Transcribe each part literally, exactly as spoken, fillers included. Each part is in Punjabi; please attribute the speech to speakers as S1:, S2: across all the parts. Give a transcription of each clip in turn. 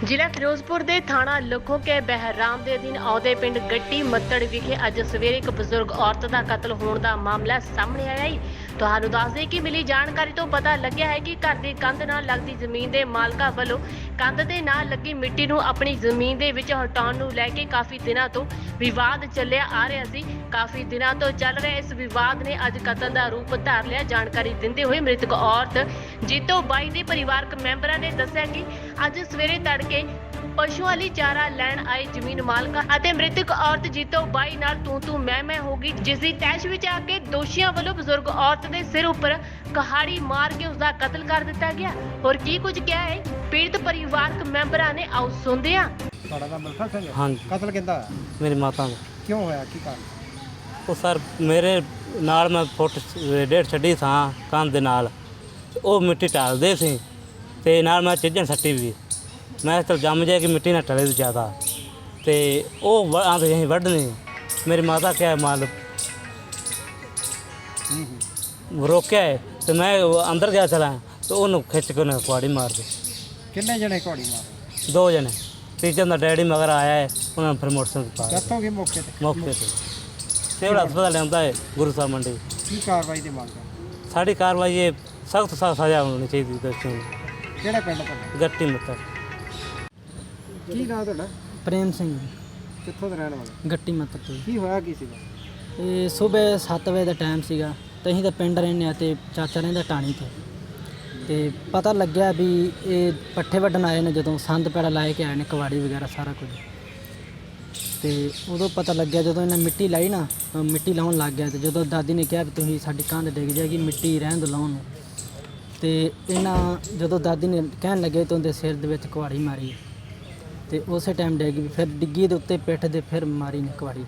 S1: ਜ਼ਿਲ੍ਹਾ ਫਿਰੋਜ਼ਪੁਰ ਦੇ ਥਾਣਾ ਲੱਖੋ ਕੇ ਬਹਿਰਾਮ ਦੇ ਅਧੀਨ ਆਉਂਦੇ ਪਿੰਡ ਗੱਟੀ ਮੱਤੜ ਵਿਖੇ ਅੱਜ ਸਵੇਰੇ ਇੱਕ ਬਜ਼ੁਰਗ ਔਰਤ ਦਾ ਕਤਲ ਹੋਣ ਦਾ ਮਾਮਲਾ ਸਾਹਮਣੇ ਆਇਆ ਹੈ। ਤੁਹਾਨੂੰ ਦੱਸ ਦੇ ਕਿ ਮਿਲੀ ਜਾਣਕਾਰੀ ਤੋਂ ਪਤਾ ਲੱਗਿਆ ਹੈ ਕਿ ਘਰ ਦੀ ਕੰਧ ਨਾਲ ਲੱਗਦੀ ਜ਼ਮੀਨ ਦੇ ਮਾਲਕਾਂ ਵੱਲੋਂ ਕੰਧ ਦੇ ਨਾਲ ਲੱਗੀ ਮਿੱਟੀ ਨੂੰ ਆਪਣੀ ਜ਼ਮੀਨ ਦੇ ਵਿੱਚ ਹਟਾਉਣ ਨੂੰ ਲੈ ਕੇ ਕਾਫੀ ਦਿਨਾਂ ਤੋਂ ਵਿਵਾਦ ਚੱਲਿਆ ਆ ਰਿਹਾ ਸੀ। ਕਾਫੀ ਦਿਨਾਂ ਤੋਂ ਚੱਲ ਰਹੇ ਇਸ ਵਿਵਾਦ ਨੇ ਅੱਜ ਕਤਲ ਦਾ ਰੂਪ ਧਾਰ ਲਿਆ। ਜਾਣਕਾਰੀ ਦਿੰਦੇ ਹੋਏ ਮ੍ਰਿਤਕ ਔਰਤ ਜੀਤੋ ਬਾਈ ਦੇ ਪਰਿਵਾਰਕ ਮੈਂਬਰਾਂ ਨੇ ਦੱਸਿਆ ਕਿ ਅੱਜ ਸਵੇਰੇ ਤੜਕੇ ਪਸ਼ੂਆਂ ਲਈ ਚਾਰਾ ਲੈਣ ਆਏ ਜ਼ਮੀਨ ਮਾਲਕਾਂ ਅਤੇ ਮ੍ਰਿਤਕ ਔਰਤ ਜੀਤੋ ਬਾਈ ਨਾਲ ਤੂੰ ਤੂੰ ਮੈਂ ਮੈਂ ਹੋ ਗਈ, ਜਿਸ ਦੀ ਤੈਸ਼ ਵਿੱਚ ਆ ਕੇ ਦੋਸ਼ੀਆਂ ਵੱਲੋਂ ਬਜ਼ੁਰਗ ਔਰਤ ਦੇ ਸਿਰ ਉੱਪਰ ਕਹਾੜੀ ਮਾਰ ਕੇ ਉਸ ਦਾ ਕਤਲ ਕਰ ਦਿੱਤਾ ਗਿਆ। ਹੋਰ ਕੀ ਕੁਝ ਕਿਹਾ ਹੈ ਪੀੜਤ ਪਰਿਵਾਰਕ ਮੈਂਬਰਾਂ ਨੇ, ਆਓ ਸੁਣਦੇ ਹਾਂ।
S2: ਤੁਹਾਡਾ ਨਾਮ ਮਿਲਖਾ ਸਿੰਘ ਹੈ?
S3: ਹਾਂਜੀ।
S2: ਕਤਲ ਕਿੱਦਾਂ ਹੋਇਆ?
S3: ਮੇਰੀ ਮਾਤਾ ਦਾ।
S2: ਕਿਉਂ ਹੋਇਆ, ਕੀ ਕਾਰਨ?
S3: ਉਹ ਸਰ ਮੇਰੇ ਨਾਲ ਮੈਂ ਫੁੱਟ ਡੇਢ ਛੱਡੀ ਥਾਂ ਕੰਧ ਦੇ ਨਾਲ, ਉਹ ਮਿੱਟੀ ਢਾਲਦੇ ਸੀ ਤੇ ਨਾਲ ਮੈਂ ਚੀਜ਼ਾਂ ਸੱਟੀ ਵੀ। ਮੈਂ ਚਲ ਜੰਮ ਜਾਏ ਕਿ ਮਿੱਟੀ ਨਾ ਟਲੇ ਜ਼ਿਆਦਾ ਤੇ ਉਹ ਆਂਦੇ ਅਸੀਂ ਵੱਢਣੀ। ਮੇਰੀ ਮਾਤਾ ਕਿਹਾ ਮਾਲ ਰੋਕਿਆ ਹੈ ਤੇ ਮੈਂ ਅੰਦਰ ਗਿਆ ਚਲਾ ਤੇ ਉਹਨੂੰ ਖਿੱਚ ਕੇ ਉਹਨੇ ਕੁਆੜੀ ਮਾਰ ਦਿੱਤੀ।
S2: ਕਿੰਨੇ ਜਣੇ ਘੋੜੀ ਮਾਰੇ?
S3: ਦੋ ਜਣੇ। ਤੀਜੇ ਦਾ ਡੈਡੀ ਮਗਰ ਆਇਆ ਹੈ, ਉਹਨਾਂ ਨੇ ਫਿਰ ਮੋਟਰਸਾਈਕਲ ਪਾ
S2: ਡੈਥ ਹੋ ਗਈ ਮੌਕੇ ਤੇ?
S3: ਮੌਕੇ ਤੇ ਸਿਵਲ ਹਸਪਤਾਲ ਲਿਆਂਦਾ ਹੈ ਗੁਰੂ ਸਾਹਿਬ ਮੰਡੀ।
S2: ਕੀ ਕਾਰਵਾਈ ਦੀ ਮੰਗ ਹੈ?
S3: ਸਾਡੀ ਕਾਰਵਾਈ ਇਹ ਸਖਤ ਸਖਤ ਸਜ਼ਾ ਹੋਣੀ ਚਾਹੀਦੀ ਦੋਸ਼ੀਆਂ ਨੂੰ।
S2: ਕਿਹੜਾ ਪਿੰਡ ਤੁਹਾਡਾ?
S3: ਗੱਟੀ ਮਿੱਤਰ।
S2: ਕੀ ਨਾਂ ਤੁਹਾਡਾ?
S4: ਪ੍ਰੇਮ ਸਿੰਘ
S2: ਕਿੱਥੋਂ ਦੇ ਰਹਿਣ ਵਾਲੇ?
S4: ਗੱਟੀ ਮੱਤਰ ਤੋਂ।
S2: ਕੀ ਹੋਇਆ ਕੀ ਸੀਗਾ?
S4: ਇਹ ਸਵੇਰ ਸੱਤ ਵਜੇ ਦਾ ਟਾਈਮ ਸੀਗਾ ਤੇ ਅਸੀਂ ਤਾਂ ਪਿੰਡ ਰਹਿੰਦੇ ਹਾਂ ਤੇ ਚਾਚਾ ਰਹਿੰਦਾ ਟਾਣੀ ਤੇ ਤੇ ਪਤਾ ਲੱਗਿਆ ਵੀ ਇਹ ਪੱਠੇ ਵੱਢਣ ਆਏ ਨੇ। ਜਦੋਂ ਸੰਦ ਪੈੜਾ ਲਾਏ ਕੇ ਆਏ ਨੇ, ਕਵਾੜੀ ਵਗੈਰਾ ਸਾਰਾ ਕੁਝ, ਤੇ ਉਦੋਂ ਪਤਾ ਲੱਗਿਆ ਜਦੋਂ ਇਹਨਾਂ ਮਿੱਟੀ ਲਾਈ ਨਾ, ਮਿੱਟੀ ਲਾਉਣ ਲੱਗ ਗਿਆ। ਤੇ ਜਦੋਂ ਦਾਦੀ ਨੇ ਕਿਹਾ ਵੀ ਤੁਸੀਂ ਸਾਡੀ ਕੰਧ ਡਿੱਗ ਜਾਏਗੀ, ਮਿੱਟੀ ਰਹਿਣ ਦਿਓ ਲਾਉਣ ਨੂੰ, ਤੇ ਇਹਨਾਂ ਜਦੋਂ ਦਾਦੀ ਨੇ ਕਹਿਣ ਲੱਗੇ ਤਾਂ ਉਹਦੇ ਸਿਰ ਦੇ ਵਿੱਚ ਕੁਹਾੜੀ ਮਾਰੀ ਤੇ ਉਸੇ ਟਾਈਮ ਡਿੱਗ ਗਈ। ਫਿਰ ਡਿੱਗੀ ਦੇ ਉੱਤੇ ਪਿੱਠ ਦੇ ਫਿਰ ਮਾਰੀ ਨੇ ਕੁਹਾੜੀ।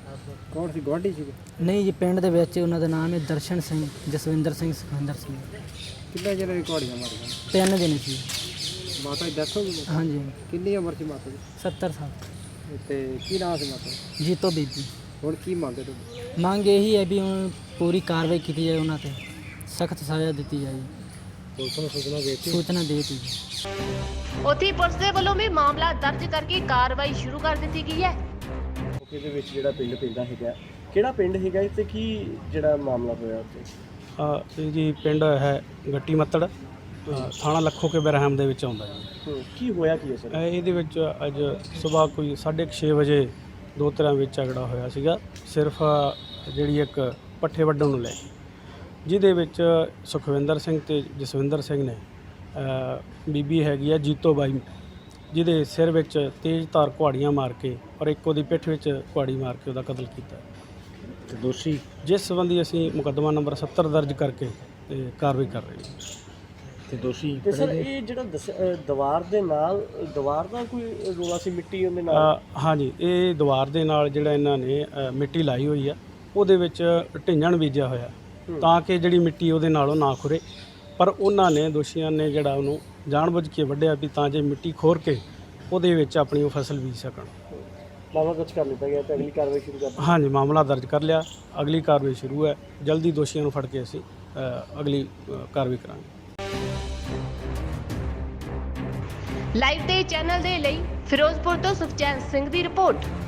S2: ਕੌਣ ਸੀ, ਗੁਆਂਢੀ ਸੀ?
S4: ਨਹੀਂ ਜੀ, ਪਿੰਡ ਦੇ ਵਿੱਚ ਉਹਨਾਂ ਦਾ ਨਾਮ ਹੈ ਦਰਸ਼ਨ ਸਿੰਘ, ਜਸਵਿੰਦਰ ਸਿੰਘ, ਸੁਖਵਿੰਦਰ ਸਿੰਘ।
S2: ਕਿੰਨੇ ਜਣੇ ਦੀ ਘੋੜੀਆਂ ਮਾਰੀਆਂ?
S4: ਤਿੰਨ ਜਣੇ ਸੀ।
S2: ਮਾਤਾ ਦੀ ਡੈਥ ਹੋ ਗਈ?
S4: ਹਾਂਜੀ।
S2: ਕਿੰਨੀ ਉਮਰ ਸੀ ਮਾਤਾ ਦੀ?
S4: ਸੱਤਰ ਸਾਲ।
S2: ਤੇ ਕੀ ਨਾਂ ਸੀ ਮਾਤਾ ਦਾ?
S4: ਜੀਤੋ ਬੀਬੀ।
S2: ਹੁਣ ਕੀ ਮੰਗਦੇ ਤੁਸੀਂ?
S4: ਮੰਗ ਇਹੀ ਹੈ ਵੀ ਹੁਣ ਪੂਰੀ ਕਾਰਵਾਈ ਕੀਤੀ ਜਾਏ, ਉਹਨਾਂ ਤੇ ਸਖਤ ਸਜ਼ਾ ਦਿੱਤੀ ਜਾਏ।
S2: ਪੁਲਿਸ ਨੂੰ ਸੂਚਨਾ ਦੇ ਦਿੱਤੀ?
S4: ਸੂਚਨਾ ਦੇ ਦਿੱਤੀ ਜੀ।
S1: ਉੱਥੇ ਪੁਲਿਸ ਦੇ ਵੱਲੋਂ ਵੀ ਮਾਮਲਾ ਦਰਜ ਕਰਕੇ ਕਾਰਵਾਈ ਸ਼ੁਰੂ ਕਰ ਦਿੱਤੀ ਗਈ ਹੈ।
S5: ਮੌਕੇ ਦੇ ਵਿੱਚ ਜਿਹੜਾ ਪਿੰਡ ਪੈਂਦਾ ਹੈਗਾ, ਕਿਹੜਾ ਪਿੰਡ ਹੈਗਾ ਤੇ ਕੀ ਜਿਹੜਾ ਮਾਮਲਾ ਹੋਇਆ ਉੱਥੇ?
S6: ਅ, ਇਹ ਜੀ ਪਿੰਡ ਹੈ ਗੱਟੀ ਮੱਤੜ, ਅ, ਥਾਣਾ ਲੱਖੋ ਕੇ ਬਹਿਰਾਮ ਦੇ ਵਿੱਚ ਆਉਂਦਾ ਜੀ।
S5: ਹੂੰ, ਕੀ ਹੋਇਆ ਕੀ ਹੈ ਸਰ?
S6: ਅ, ਇਹਦੇ ਵਿੱਚ ਅੱਜ ਸਵੇਰ ਕੋਈ ਸਾਢੇ ਕੁ ਛੇ ਵਜੇ ਦੋ ਤਰ੍ਹਾਂ ਵਿੱਚ ਝਗੜਾ ਹੋਇਆ ਸੀਗਾ, ਸਿਰਫ ਜਿਹੜੀ ਇੱਕ ਪੱਠੇ ਵੱਢਣ ਨੂੰ ਲੈ ਕੇ, ਜਿਹਦੇ ਵਿੱਚ ਸੁਖਵਿੰਦਰ ਸਿੰਘ ਤੇ ਜਸਵਿੰਦਰ ਸਿੰਘ ਨੇ ਅ, ਬੀਬੀ ਹੈਗੀ ਆ ਜੀਤੋ ਬਾਈ, ਜਿਹਦੇ ਸਿਰ ਵਿੱਚ ਤੇਜ਼ ਧਾਰ ਕੁਹਾੜੀਆਂ ਮਾਰ ਕੇ ਔਰ ਇੱਕ ਉਹਦੀ ਪਿੱਠ ਵਿੱਚ ਕੁਹਾੜੀ ਮਾਰ ਕੇ ਉਹਦਾ ਕਤਲ ਕੀਤਾ।
S5: ਤੇ ਦੋਸ਼ੀ
S6: ਜਿਸ ਸੰਬੰਧੀ ਅਸੀਂ ਮੁਕੱਦਮਾ ਨੰਬਰ ਸੱਤਰ ਦਰਜ ਕਰਕੇ ਤੇ ਕਾਰਵਾਈ ਕਰ ਰਹੇ ਹਾਂ।
S5: ਤੇ ਦੋਸ਼ੀ ਤੇ ਸਰ ਇਹ ਜਿਹੜਾ ਦੱਸ- ਅ, ਦੀਵਾਰ ਦੇ ਨਾਲ ਦੀਵਾਰ ਦਾ ਕੋਈ ਰੋਲਾ ਸੀ, ਮਿੱਟੀ ਉਹਦੇ ਨਾਲ?
S6: ਅ, ਹਾਂਜੀ, ਇਹ ਦੀਵਾਰ ਦੇ ਨਾਲ ਜਿਹੜਾ ਇਹਨਾਂ ਨੇ ਅ, ਮਿੱਟੀ ਲਾਈ ਹੋਈ ਆ, ਉਹਦੇ ਵਿੱਚ ਢਿੰਜਣ ਬੀਜਿਆ ਹੋਇਆ ਤਾਂ ਕਿ ਜਿਹੜੀ ਮਿੱਟੀ ਉਹਦੇ ਨਾਲੋਂ ਨਾ ਖੁਰੇ, ਪਰ ਉਹਨਾਂ ਨੇ ਦੋਸ਼ੀਆਂ ਨੇ ਜਿਹੜਾ ਉਹਨੂੰ ਜਾਣਬੁੱਝ ਕੇ ਵੱਢਿਆ ਵੀ ਤਾਂ ਜੇ ਮਿੱਟੀ ਖੋਰ ਕੇ ਉਹਦੇ ਵਿੱਚ ਆਪਣੀ ਉਹ ਫਸਲ ਬੀਜ ਸਕਣ।
S5: ਮਾਮਲਾ ਦਰਜ ਕਰ ਲਿੱਤਾ ਗਿਆ ਤੇ ਅਗਲੀ ਕਾਰਵਾਈ ਸ਼ੁਰੂ ਕਰ ਦਿੱਤੀ।
S6: ਹਾਂਜੀ, ਮਾਮਲਾ ਦਰਜ ਕਰ ਲਿਆ, ਅਗਲੀ ਕਾਰਵਾਈ ਸ਼ੁਰੂ ਹੈ। ਜਲਦੀ ਦੋਸ਼ੀਆਂ ਨੂੰ ਫੜ ਕੇ ਅਸੀਂ ਅ, ਅਗਲੀ ਅ, ਕਾਰਵਾਈ ਕਰਾਂਗੇ।
S1: ਲਾਈਵ ਤੇ ਚੈਨਲ ਦੇ ਲਈ ਫਿਰੋਜ਼ਪੁਰ ਤੋਂ ਸੁਖਚੈਨ ਸਿੰਘ ਦੀ ਰਿਪੋਰਟ।